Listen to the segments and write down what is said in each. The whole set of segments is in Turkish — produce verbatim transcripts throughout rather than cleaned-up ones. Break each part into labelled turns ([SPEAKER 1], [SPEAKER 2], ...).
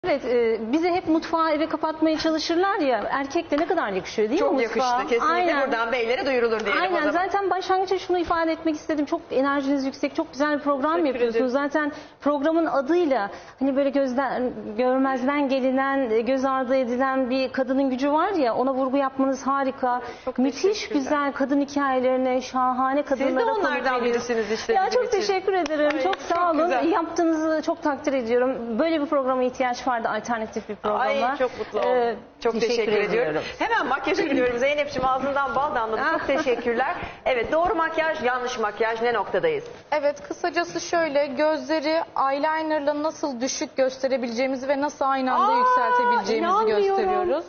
[SPEAKER 1] Evet, e, bize hep mutfağı eve kapatmaya çalışırlar ya, erkek de ne kadar yakışıyor değil
[SPEAKER 2] Çok
[SPEAKER 1] mi mutfağa?
[SPEAKER 2] yakıştı. Kesinlikle
[SPEAKER 1] Aynen.
[SPEAKER 2] buradan beylere duyurulur diyelim
[SPEAKER 1] Aynen.
[SPEAKER 2] o zaman.
[SPEAKER 1] Zaten başlangıçta şunu ifade etmek istedim. Çok enerjiniz yüksek, çok güzel bir program
[SPEAKER 2] Teşekkür
[SPEAKER 1] yapıyorsunuz.
[SPEAKER 2] ederim.
[SPEAKER 1] Zaten programın adıyla hani böyle gözden görmezden gelinen, göz ardı edilen bir kadının gücü var ya, ona vurgu yapmanız harika.
[SPEAKER 2] Çok
[SPEAKER 1] Müthiş
[SPEAKER 2] teşekkürler.
[SPEAKER 1] güzel kadın hikayelerine, şahane kadınlara
[SPEAKER 2] Siz de
[SPEAKER 1] konuk
[SPEAKER 2] onlardan
[SPEAKER 1] veriyorsunuz.
[SPEAKER 2] birisiniz işte
[SPEAKER 1] Ya
[SPEAKER 2] bizim
[SPEAKER 1] çok
[SPEAKER 2] için.
[SPEAKER 1] teşekkür ederim.
[SPEAKER 2] Ay,
[SPEAKER 1] çok
[SPEAKER 2] çok
[SPEAKER 1] sağ olun.
[SPEAKER 2] güzel.
[SPEAKER 1] Yaptığınızı çok takdir ediyorum. Böyle bir programa ihtiyaç vardı, alternatif bir programa.
[SPEAKER 2] Ay çok mutlu oldum.
[SPEAKER 1] Ee,
[SPEAKER 2] çok teşekkür,
[SPEAKER 1] teşekkür
[SPEAKER 2] ediyorum.
[SPEAKER 1] ediyorum.
[SPEAKER 2] Hemen makyaja gidiyorum. Zeynep'ciğim ağzından bal damladı. Çok teşekkürler. Evet, doğru makyaj, yanlış makyaj, ne noktadayız?
[SPEAKER 3] Evet, kısacası şöyle, gözleri eyelinerla nasıl düşük gösterebileceğimizi ve nasıl aynı anda
[SPEAKER 2] Aa,
[SPEAKER 3] yükseltebileceğimizi
[SPEAKER 2] inanmıyorum.
[SPEAKER 3] gösteriyoruz.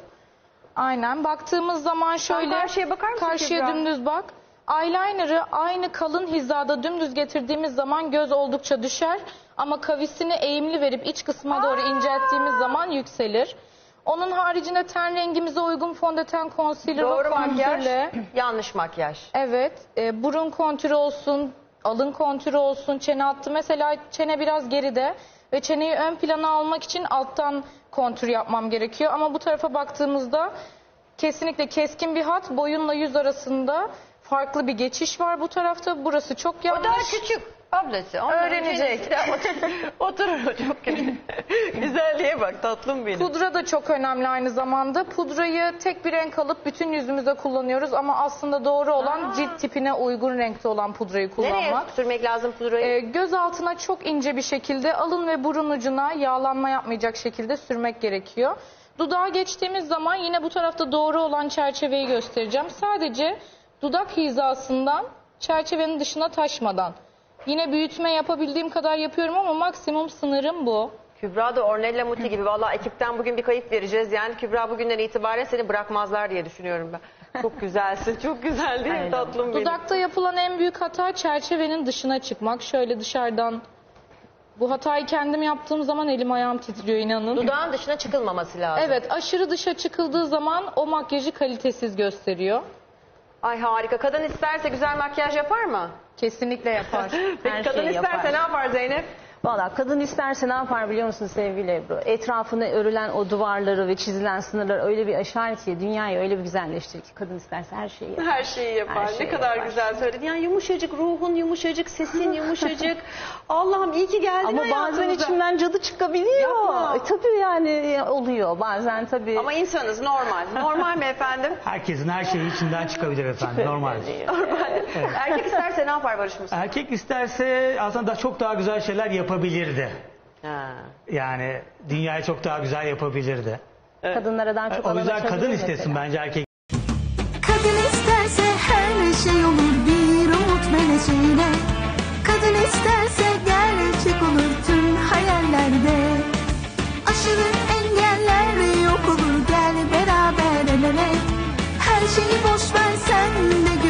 [SPEAKER 3] Aynen, baktığımız zaman şöyle,
[SPEAKER 2] karşıya bakar mısın
[SPEAKER 3] karşıya
[SPEAKER 2] Kübra?
[SPEAKER 3] dümdüz bak. Eyeliner'ı aynı kalın hizada dümdüz getirdiğimiz zaman göz oldukça düşer. Ama kavisini eğimli verip iç kısma doğru incelttiğimiz zaman yükselir. Onun haricinde ten rengimize uygun fondöten, concealer ve
[SPEAKER 2] Doğru makyaj,
[SPEAKER 3] kontürle.
[SPEAKER 2] yanlış makyaj.
[SPEAKER 3] Evet, e, burun kontürü olsun, alın kontürü olsun, çene hattı. Mesela çene biraz geride ve çeneyi ön plana almak için alttan kontür yapmam gerekiyor. Ama bu tarafa baktığımızda kesinlikle keskin bir hat, boyunla yüz arasında farklı bir geçiş var bu tarafta. Burası çok
[SPEAKER 2] O
[SPEAKER 3] yanlış.
[SPEAKER 2] daha küçük ablası. Ondan
[SPEAKER 3] Öğrenecek.
[SPEAKER 2] önce- Oturur o çok güzel. Güzelliğe bak, tatlım benim.
[SPEAKER 3] Pudra da çok önemli aynı zamanda. Pudrayı tek bir renk alıp bütün yüzümüze kullanıyoruz ama aslında doğru olan
[SPEAKER 2] Aa.
[SPEAKER 3] cilt tipine uygun renkte olan pudrayı kullanmak.
[SPEAKER 2] Nereye sürmek lazım pudrayı?
[SPEAKER 3] Ee, göz altına çok ince bir şekilde, alın ve burun ucuna yağlanma yapmayacak şekilde sürmek gerekiyor. Dudağa geçtiğimiz zaman yine bu tarafta doğru olan çerçeveyi göstereceğim. Sadece dudak hizasından çerçevenin dışına taşmadan. Yine büyütme yapabildiğim kadar yapıyorum ama maksimum sınırım bu.
[SPEAKER 2] Kübra da Ornella Muti gibi. Vallahi ekipten bugün bir kayıp vereceğiz. Yani Kübra bugünden itibaren seni bırakmazlar diye düşünüyorum ben. Çok güzelsin. Çok güzel değil mi
[SPEAKER 1] Aynen.
[SPEAKER 2] tatlım benim?
[SPEAKER 3] Dudakta yapılan en büyük hata çerçevenin dışına çıkmak. Şöyle dışarıdan. Bu hatayı kendim yaptığım zaman elim ayağım titriyor, inanın.
[SPEAKER 2] Dudağın dışına çıkılmaması lazım.
[SPEAKER 3] Evet, aşırı dışa çıkıldığı zaman o makyajı kalitesiz gösteriyor.
[SPEAKER 2] Ay harika. Kadın isterse güzel makyaj yapar mı?
[SPEAKER 3] Kesinlikle yapar.
[SPEAKER 2] Peki
[SPEAKER 1] Her
[SPEAKER 2] kadın
[SPEAKER 1] şeyi
[SPEAKER 2] isterse
[SPEAKER 1] yapar.
[SPEAKER 2] ne yapar Zeynep?
[SPEAKER 1] Valla kadın isterse ne yapar biliyor musun sevgili Ebru? Etrafını örülen o duvarları ve çizilen sınırları öyle bir aşar ki, dünyayı öyle bir güzelleştirir ki kadın isterse her şeyi yapar.
[SPEAKER 2] Her şeyi yapar.
[SPEAKER 1] Her şeyi
[SPEAKER 2] ne kadar
[SPEAKER 1] yapar.
[SPEAKER 2] güzel söyledin. Yani yumuşacık, ruhun yumuşacık, sesin yumuşacık. Allah'ım iyi ki geldin
[SPEAKER 1] Ama bazen
[SPEAKER 2] hayatımıza.
[SPEAKER 1] içimden cadı çıkabiliyor.
[SPEAKER 2] Yapma.
[SPEAKER 1] E, tabii yani oluyor bazen tabii.
[SPEAKER 2] Ama insanız, normal. Normal mi efendim?
[SPEAKER 4] Herkesin her şeyi içinden çıkabilir efendim. Normal.
[SPEAKER 2] Normal. Erkek isterse ne yapar Barış Musa?
[SPEAKER 4] Erkek isterse aslında da çok daha güzel şeyler yapabilirdi.
[SPEAKER 2] Ha.
[SPEAKER 4] Yani dünyayı çok daha güzel yapabilirdi.
[SPEAKER 1] Kadınlara daha çok
[SPEAKER 4] O
[SPEAKER 1] alan
[SPEAKER 4] yüzden
[SPEAKER 1] açabilir
[SPEAKER 4] kadın
[SPEAKER 1] mesela.
[SPEAKER 4] istesin bence erkek.
[SPEAKER 5] Kadın isterse her şey olur bir umut meleğiyle. Kadın isterse gerçek olur tüm hayallerde. Aşırı engeller yok olur, gel beraber el ele. Her şeyi boş ver sen de gör.